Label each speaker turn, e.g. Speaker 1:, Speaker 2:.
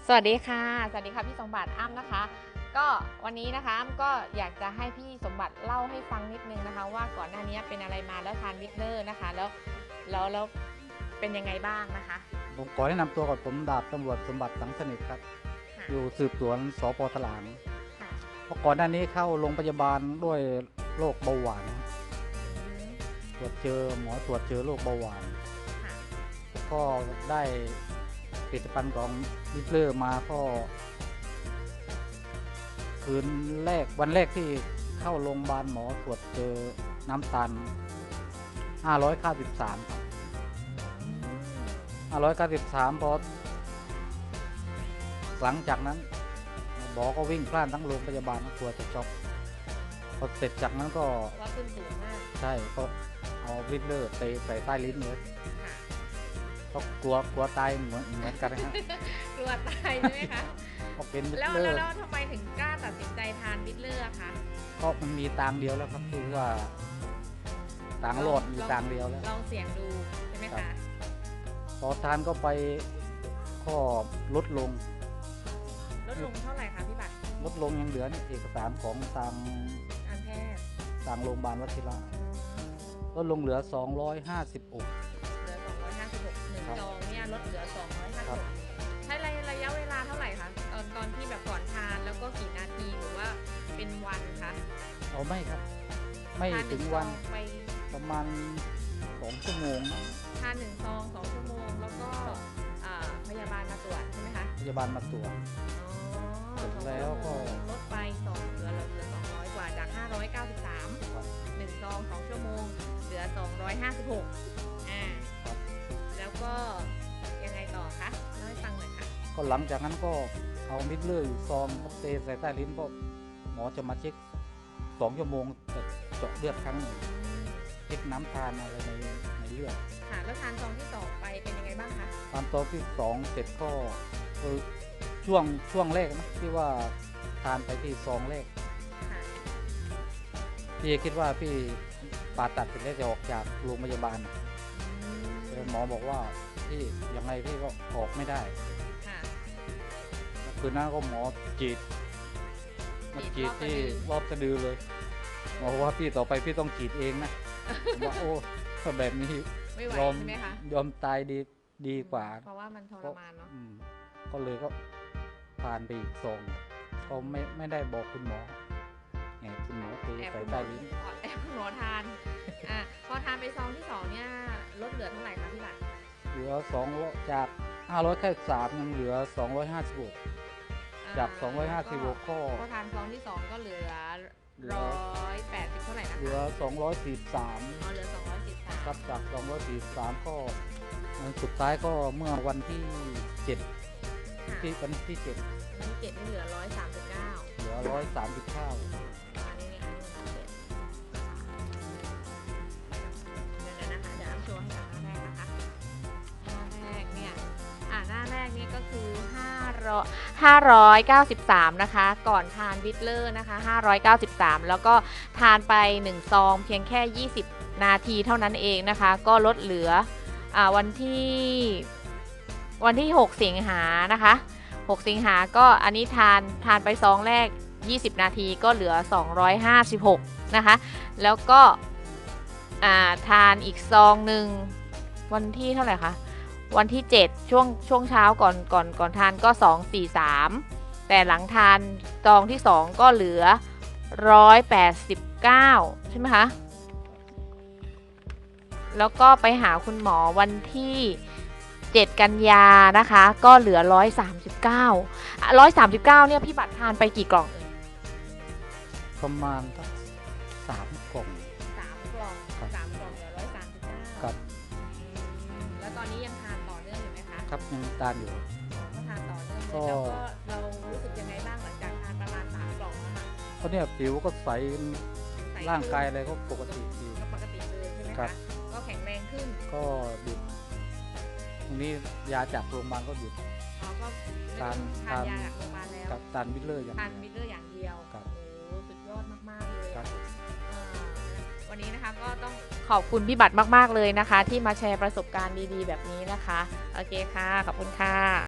Speaker 1: สวัสดีค่ะสวัสดีค่ะพี่สมบัติอ้ำนะคะก็วันนี้นะคะอ้ำก็อยากจะให้พี่สมบัติเล่าให้ฟังนิดนึงนะคะว่าก่อนหน้านี้เป็นอะไรมาแล้วทานวิกเนอร์นะคะแล้วเป็นยังไงบ้างนะคะ
Speaker 2: ผมขอแนะนำตัวก่อนผมดาบตำรวจสมบัติสังสนิทครับอยู่สืบสวนสปถลาง
Speaker 1: ค่ะ
Speaker 2: เพราะก่อนหน้านี้เข้าโรงพยาบาลด้วยโรคเบาหวานตรวจเจอหมอตรวจเจอโรคเบาหวานก็ได้ผลิตภัณฑ์ของวิกเลอร์มาก็คืนแรกวันแรกที่เข้าโรงพยาบาลหมอตรวจเจอน้ำตาล593ครับ593พอหลังจากนั้นหมอก็วิ่งพล่านทั้งโรงพยาบาลกลัวจะช็อกพอเสร็จจากนั้นก็
Speaker 1: ว่าขึ้นสูงมาก
Speaker 2: ใช่ก็เอาวิกเลอร์ใส่ใต้ลิ้นเลยก็กลัวตายเหมือนกันนะฮะ
Speaker 1: กลัวตายใช่ไหมคะ
Speaker 2: ก็เป็นวิ
Speaker 1: แล้ว
Speaker 2: กเลอร์
Speaker 1: ทำไมถึงกล้าตัดสินใจทานวิกเลอร์คะ
Speaker 2: ก็มันมีทางเดียวแล้วครับคือว่าทางรอดมีทางเดียวแล้ว
Speaker 1: ลองเสี่ยงดูใช่ไหมคะ
Speaker 2: พอทานก็ไปก็ลดลง
Speaker 1: เท่าไหร่คะพี่บัตร
Speaker 2: ลดลงยังเหลือเอกสารของ
Speaker 1: การแพทย์
Speaker 2: ทางโรงพยาบาลวชิระลดลงเหลือ256
Speaker 1: เหลือ256หนึ่งซองเนี่ยลดเหลือ256ใช้ระยะเวลาเท่าไหร่คะตอนที่แบบก่อนทานแล้วก็กี่นาทีหรือว่าเป็นวันคะ
Speaker 2: เอาไม่ครับไม่ถึงวันประมาณ2 ชั่วโมง
Speaker 1: ทาน1 ซอง 2 ชั่วโมงแล้วก็พยาบาลมาตรวจใช่ไหมคะ
Speaker 2: พยาบาลมาตรวจเสร็จแล้วก็
Speaker 1: ลดไปเหลือ200 กว่าจาก593 1 ซอง 2 ชั่วโมงเหลือ256แล้วก็ยังไงต่อคะเล่าให้ฟังหน่อยค่ะ
Speaker 2: ก็หลังจากนั้นก็เอามิดเลอร์อยู่ซองเทใส่ใต้ลิ้นก็หมอจะมาเช็ค2 ชั่วโมงเจาะเลือดครั้งหนึ่งเช็คน้ำตาลอะไรในเลือด
Speaker 1: ค่ะแล้วทานซองที่2ไปเป็นยังไงบ้างคะ
Speaker 2: ทานซองที่2เสร็จก็ช่วงแรกนะที่ว่าทานไปที่ซองแรกพี่คิดว่าพี่ผ่าตัดเสร็จแล้วจะออกจากโรงพยาบาลแต่หมอบอกว่าพี่ยังไงพี่ก็ออกไม่ได้คืนนั้นก็หมอจีดที่รอบสะดือเลยหมอว่าพี่ต่อไปพี่ต้องจีดเองนะว่าโอ้ถ้าแบบนี้ยอมตายดีกว่า
Speaker 1: เพราะว่ามันทรมานเนาะ
Speaker 2: ก็เลยก็ผ่านไปอีก2ก็ไม่ได้บอกคุณหมอคุณหมอตีใส่ใต้ลิ้น
Speaker 1: แอบคุณหมอทานพอทานไปซองที่2เนี่ยลดเหลือเท่าไหร่คะพี่บัตร
Speaker 2: เหลือ2จาก593ยังเหลือ256จาก256ก็
Speaker 1: พอทานซองที่2ก็เหลือ180เท่าไหร่นะคะ
Speaker 2: เหลือ243
Speaker 1: เหลือ243
Speaker 2: ครับจาก243ก็สุดท้ายก็เมื่อวันที่7ที่วันที่7
Speaker 1: นี่เหลือ139
Speaker 2: เหลือ139
Speaker 1: หน้าแรกเนี่ยก็คือ593นะคะก่อนทานวิตเลอร์นะคะ593แล้วก็ทานไป1 ซองเพียงแค่20 นาทีเท่านั้นเองนะคะก็ลดเหลือวันที่6 สิงหานะคะ6 สิงหาก็อันนี้ทานไปซองแรก20 นาทีก็เหลือ256นะคะแล้วก็ทานอีกซองหนึ่งวันที่เท่าไหร่คะวันที่7ช่วงเช้าก่อนทานก็243แต่หลังทานซองที่2ก็เหลือ189ใช่ไหมคะแล้วก็ไปหาคุณหมอวันที่7 กันยานะคะก็เหลือ139เนี่ยพี่บัตรทานไปกี่กล่อง
Speaker 2: ประมาณสัก3 กล่อง
Speaker 1: 3 กล่องเหลือ139
Speaker 2: ครับ
Speaker 1: แล้วตอนนี้ยังทานต่อเนื่องอยู่ไหมคะ
Speaker 2: ครับยังทานอยู่
Speaker 1: ก็ทานต่อเนื่องเลยแล้วก็เรารู้สึกยังไงบ้างหลังจากทานประมาณ3 กล่องนะคะ
Speaker 2: เพราะเนี่ยผิวก็ใสร่างกายอะไรก็ปกติดี
Speaker 1: เลยใช่ไหมคะก็แข็งแรงขึ้น
Speaker 2: ก็หยุดตรงนี้ยาจากโรงพยาบาลก็หยุด
Speaker 1: ทานยาจากโรงพยาบาลแล้ว
Speaker 2: กับทานวิตเลอร์อย่าง
Speaker 1: เดียวโอ้สุดยอดมากๆเลยวันนี้นะคะก็ต้องขอบคุณพี่บัตรมากๆเลยนะคะที่มาแชร์ประสบการณ์ดีๆแบบนี้นะคะโอเคค่ะขอบคุณค่ะ